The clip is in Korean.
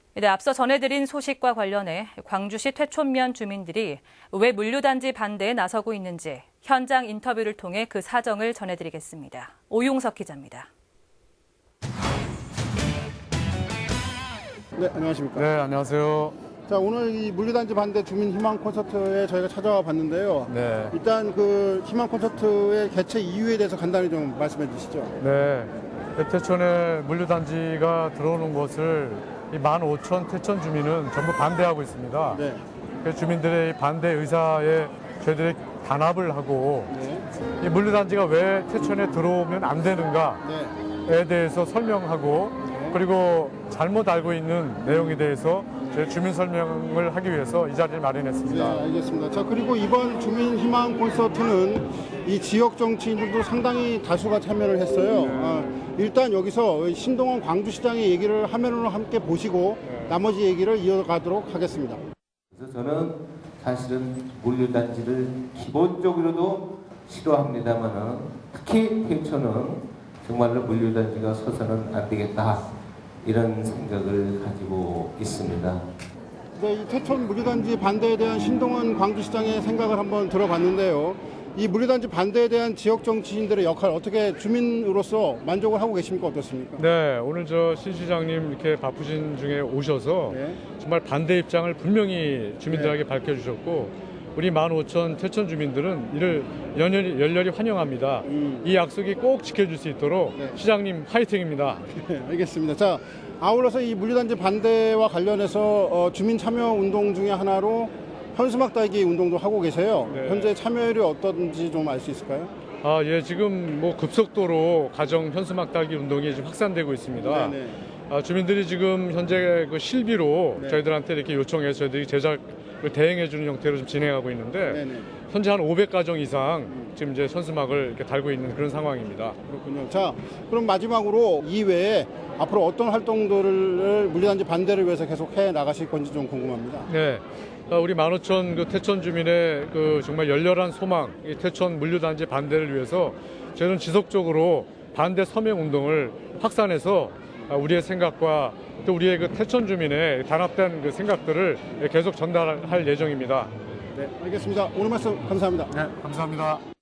네, 앞서 전해드린 소식과 관련해 광주시 퇴촌면 주민들이 왜 물류단지 반대에 나서고 있는지 현장 인터뷰를 통해 그 사정을 전해드리겠습니다. 오용석 기자입니다. 네, 안녕하십니까. 네, 안녕하세요. 자, 오늘 이 물류단지 반대 주민 희망 콘서트에 저희가 찾아와 봤는데요. 네. 일단 그 희망 콘서트의 개최 이유에 대해서 간단히 좀 말씀해 주시죠. 네. 태촌에 물류단지가 들어오는 것을 이 15,000 태촌 주민은 전부 반대하고 있습니다. 네. 그 주민들의 반대 의사에 저희들이 단합을 하고 네. 이 물류단지가 왜 태촌에 들어오면 안 되는가에 네. 대해서 설명하고 그리고 잘못 알고 있는 내용에 대해서 저희 주민 설명을 하기 위해서 이 자리를 마련했습니다. 네, 알겠습니다. 자, 그리고 이번 주민 희망 콘서트는 이 지역 정치인들도 상당히 다수가 참여를 했어요. 일단 여기서 신동원 광주시장의 얘기를 화면으로 함께 보시고 나머지 얘기를 이어가도록 하겠습니다. 그래서 저는 사실은 물류단지를 기본적으로도 싫어합니다만은 특히 태촌은 정말로 물류단지가 서서는 안 되겠다 이런 생각을 가지고 있습니다. 네, 이 태촌 물류단지 반대에 대한 신동원 광주시장의 생각을 한번 들어봤는데요. 이 물류단지 반대에 대한 지역 정치인들의 역할 어떻게 주민으로서 만족을 하고 계십니까? 어떻습니까? 네, 오늘 저 신 시장님 이렇게 바쁘신 중에 오셔서 네. 정말 반대 입장을 분명히 주민들에게 밝혀주셨고 우리 15,000 태촌 주민들은 이를 열렬히 환영합니다. 이 약속이 꼭 지켜질 수 있도록 네. 시장님 화이팅입니다. 네, 알겠습니다. 자, 아울러서 이 물류단지 반대와 관련해서 주민 참여 운동 중에 하나로 현수막 달기 운동도 하고 계세요. 네. 현재 참여율이 어떤지 좀 알 수 있을까요? 예, 지금 뭐 급속도로 가정 현수막 달기 운동이 지금 확산되고 있습니다. 네네. 주민들이 지금 현재 그 실비로 네. 저희들한테 이렇게 요청해서 저희들이 제작을 대행해주는 형태로 좀 진행하고 있는데 네네. 현재 한 500가정 이상 지금 이제 현수막을 이렇게 달고 있는 그런 상황입니다. 그렇군요. 자, 그럼 마지막으로 이외에 앞으로 어떤 활동들을 물류단지 반대를 위해서 계속 해 나가실 건지 좀 궁금합니다. 네. 우리 15,000 그 태촌 주민의 그 정말 열렬한 소망, 이 태촌 물류단지 반대를 위해서 저희는 지속적으로 반대 서명 운동을 확산해서 우리의 생각과 또 우리의 그 태촌 주민의 단합된 그 생각들을 계속 전달할 예정입니다. 네, 알겠습니다. 오늘 말씀 감사합니다. 네, 감사합니다.